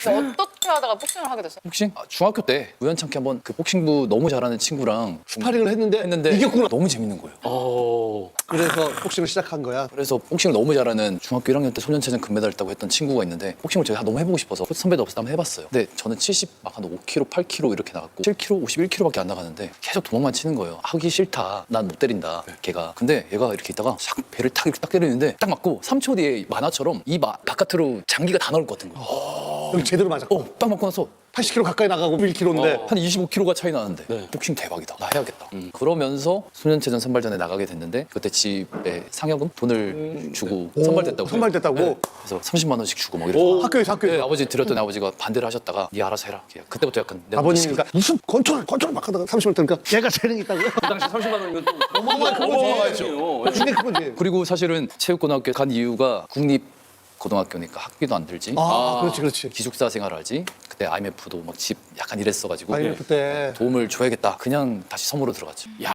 어떻게 하다가 복싱을 하게 됐어요? 복싱? 중학교 때 우연찮게 한번 그 복싱부 너무 잘하는 친구랑 스파링을 했는데 이겼구나. 너무 재밌는 거예요. 그래서 복싱을 시작한 거야. 그래서 복싱을 너무 잘하는 중학교 1학년 때 소년체전 금메달 따고 했던 친구가 있는데 복싱을 제가 너무 해보고 싶어서 선배도 없어서 한번 해봤어요. 근데 저는 70, 막 한 5kg, 8kg 이렇게 나갔고 7kg, 51kg밖에 안 나가는데 계속 도망만 치는 거예요. 하기 싫다. 난 못 때린다. 걔가. 근데 얘가 이렇게 있다가 샥 배를 탁 이렇게 딱 때리는데 딱 맞고 3초 뒤에 만화처럼 이 바깥으로 장기가 다 나올 것 같은 거예요. 여기 제대로 맞았고. 딱 맞고 나서 80kg 가까이 나가고 1kg인데. 한 25kg가 차이 나는데 복싱 대박이다. 나 해야겠다. 그러면서 소년체전 선발전에 나가게 됐는데 그때 집에 상여금 돈을 주고 선발됐다고. 선발됐다고? 네. 그래서 30만 원씩 주고 막 이래서 학교에서. 네, 아버지 드렸더니 아버지가 반대를 하셨다가 네 알아서 해라. 그때부터 약간 내가 아버님이니까 무슨 건초를 막 하다가 30을 뜨니까 얘가 재능이 있다고요? 그 당시 30만 원이면 또 어마어마했죠. 근데 그거지. 그리고 사실은 체육고등학교 간 이유가 국립고등학교니까 학비도 안 들지. 그렇지. 기숙사 생활하지. 그때 IMF도 막 집 약간 이랬어가지고 IMF 때. 도움을 줘야겠다. 그냥 다시 섬으로 들어갔죠.